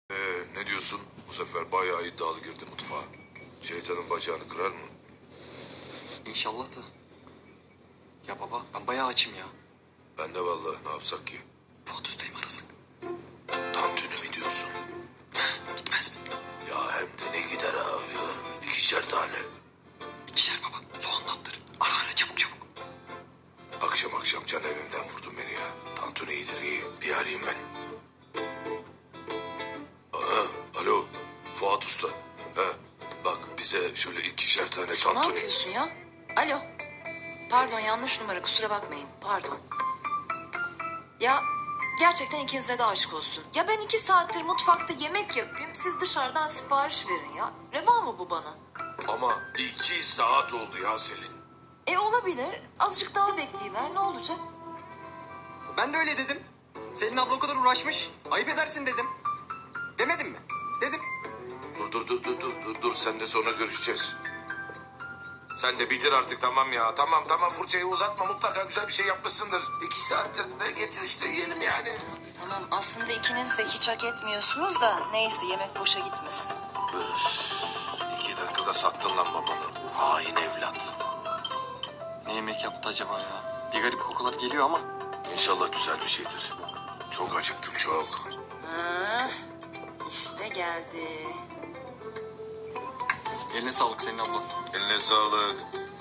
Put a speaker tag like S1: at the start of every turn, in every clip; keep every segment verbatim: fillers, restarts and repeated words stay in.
S1: Ee, ne diyorsun? Bu sefer bayağı iddialı girdi mutfağa. Şeytanın bacağını kırar mı?
S2: İnşallah da. Ya baba ben bayağı açım ya.
S1: Ben de vallahi ne yapsak ki?
S2: Fuat Usta'yı mı arasak?
S1: Tantuni mi diyorsun?
S2: Gitmez mi?
S1: Ya hem de ne gider abi ya. İkişer tane.
S2: İkişer baba. Soğan da attır. Ara ara çabuk çabuk.
S1: Akşam akşam can evimden vurdun beni ya. Tantuni iyidir iyi. Bir arayayım ben. Aa, alo. Fuat Usta. He, bak bize şöyle ikişer tane
S3: Ne
S1: tantuni.
S3: yapıyorsun ya? Alo. Pardon yanlış numara kusura bakmayın. Pardon. Ya gerçekten ikinize de aşk olsun. Ya ben iki saattir mutfakta yemek yapayım. Siz dışarıdan sipariş verin ya. Reva mı bu bana?
S1: Ama iki saat oldu ya Selin.
S3: E olabilir. Azıcık daha bekleyiver ne olacak?
S2: Ben de öyle dedim. Selin abla o kadar uğraşmış. Ayıp edersin dedim. Demedim mi? Dedim.
S1: Dur dur dur dur dur dur dur sen de sonra görüşeceğiz. Sen de bitir artık tamam ya. Tamam tamam fırçayı uzatma mutlaka güzel bir şey yapmışsındır. İki saattir ne getir işte yiyelim yani.
S3: Tamam aslında ikiniz de hiç hak etmiyorsunuz da neyse yemek boşa gitmesin.
S1: Öf, iki dakikada sattın lan babanı. Hain evlat.
S2: Ne yemek yaptı acaba ya? Bir garip kokular geliyor ama.
S1: İnşallah güzel bir şeydir. Çok acıktım çok.
S3: Ha, işte geldi.
S2: Eline sağlık Selin abla.
S1: Eline sağlık.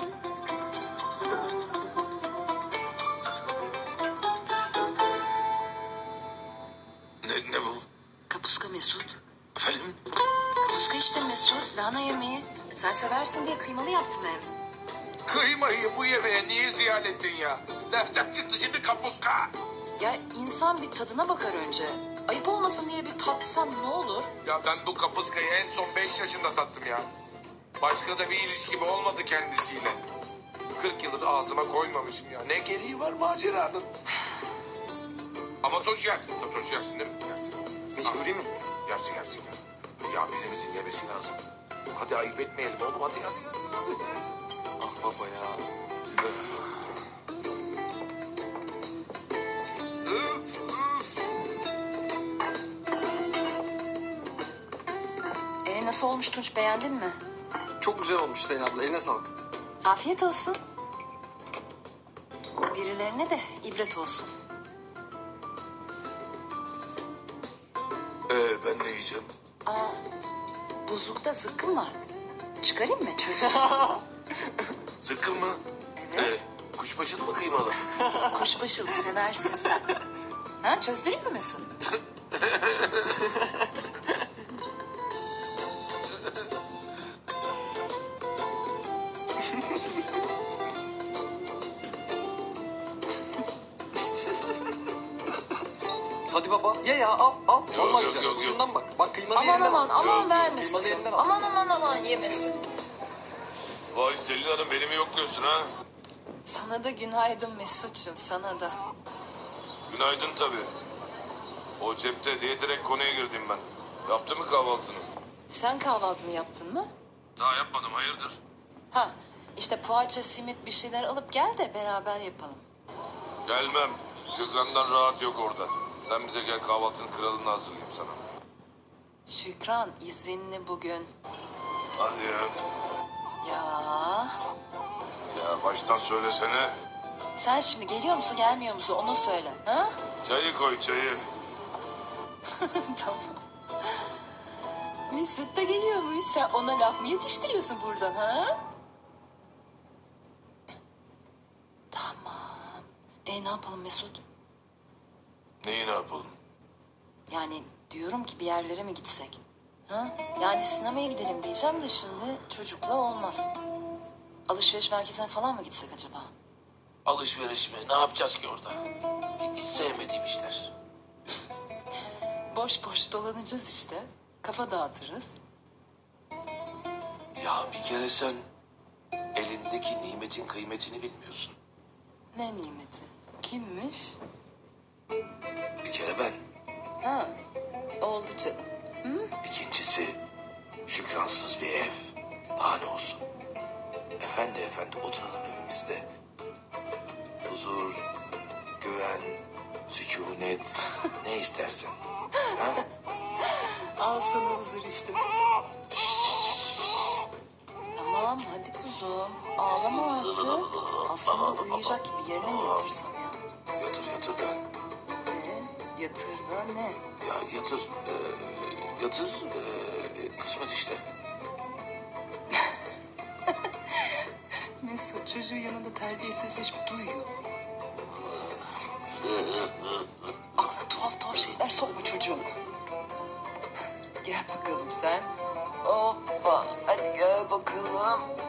S1: Ne, ne bu?
S3: Kapuska Mesut.
S1: Efendim?
S3: Kapuska işte Mesut. Lahana yemeği. Sen seversin diye kıymalı yaptım hem.
S1: Kıymayı bu yemeğe niye ziyan ettin ya? Nereden çıktı şimdi kapuska?
S3: Ya insan bir tadına bakar önce. Ayıp olmasın diye bir tatsan ne olur?
S1: Ya ben bu kapuskayı en son beş yaşında tattım ya. Başka da bir ilişkim olmadı kendisiyle. Kırk yıldır ağzıma koymamışım ya. Ne gereği var maceranın? Ama toç yersin. Toç yersin değil mi? Yersin.
S2: Mecburi mi?
S1: Yersin yersin ya. Ya birimizin yemesi lazım. Hadi ayıp etmeyelim oğlum. Hadi hadi hadi. hadi.
S2: Ah baba ya.
S1: Üf üf.
S3: E nasıl olmuş Tunç beğendin mi?
S2: Çok güzel olmuş Selin abla. Eline sağlık.
S3: Afiyet olsun. Birilerine de ibret olsun.
S1: Ee, ben ne yiyeceğim?
S3: Buzlukta zıkkım var. Çıkarayım mı çözülsün?
S1: Zıkkım mı?
S3: Evet.
S1: Ee, kuşbaşılı mı kıymalı?
S3: Kuşbaşılı seversin sen. Ha çözdüreyim mi Mesut?
S2: Hadi baba ye ya al al.
S1: Yok,
S2: Vallahi
S1: yok,
S2: güzel.
S1: yok, yok.
S2: Ucundan bak. Bak kıymalı
S3: Aman
S2: yerinden
S3: aman
S2: al.
S3: aman
S1: Yok,
S3: verme
S2: kıymalı
S3: sakın.
S2: yerinden al.
S3: Aman aman aman yemesin.
S1: Vay Selin Hanım beni mi yokluyorsun ha?
S3: Sana da günaydın Mesut'cum sana da.
S1: Günaydın tabii. O cepte diye direkt konuya girdim ben. Yaptı mı kahvaltını?
S3: Sen kahvaltını yaptın mı?
S1: Daha yapmadım hayırdır?
S3: Ha işte poğaça, simit bir şeyler alıp gel de beraber yapalım.
S1: Gelmem. Şükran'dan rahat yok orada. Sen bize gel kahvaltının kralını hazırlayayım sana.
S3: Şükran izinli bugün.
S1: Hadi ya.
S3: Ya
S1: Ya baştan söylesene.
S3: sen şimdi geliyor musun gelmiyor musun onu söyle. Ha?
S1: Çayı koy çayı.
S3: Tamam. Mesut da geliyormuş. Sen ona laf mı yetiştiriyorsun buradan ha? Tamam. E ne yapalım Mesut?
S1: Neyi ne yapalım?
S3: Yani diyorum ki bir yerlere mi gitsek? Ha? Yani sinemaya gidelim diyeceğim de şimdi çocukla olmaz. Alışveriş merkezine falan mı gitsek acaba?
S1: Alışveriş mi? Ne yapacağız ki orada? Hiç sevmediğim işler.
S3: Boş boş dolanacağız işte. Kafa dağıtırız.
S1: Ya bir kere sen elindeki nimetin kıymetini bilmiyorsun.
S3: Ne nimeti? Kimmiş?
S1: Bir kere ben.
S3: Ha, oldu canım.
S1: İkincisi şükransız bir ev. Daha ne olsun? Efendi efendi oturalım evimizde. Huzur, güven, sükunet ne istersen. Ha?
S4: sana huzur işte.
S3: Tamam hadi kuzum. Ağlama artık. Aslında uyuyacak gibi yerine mi yatırsam ya?
S1: Yatır yatır da.
S3: Ee, yatır da ne?
S1: Ya yatır. E, yatır. E, kısmet işte.
S4: Mesut çocuğun yanında terbiyesizleşip duyuyor. Aklına tuhaf tuhaf şeyler sokma çocuğun. Gel bakalım sen. Hoppa hadi gel bakalım.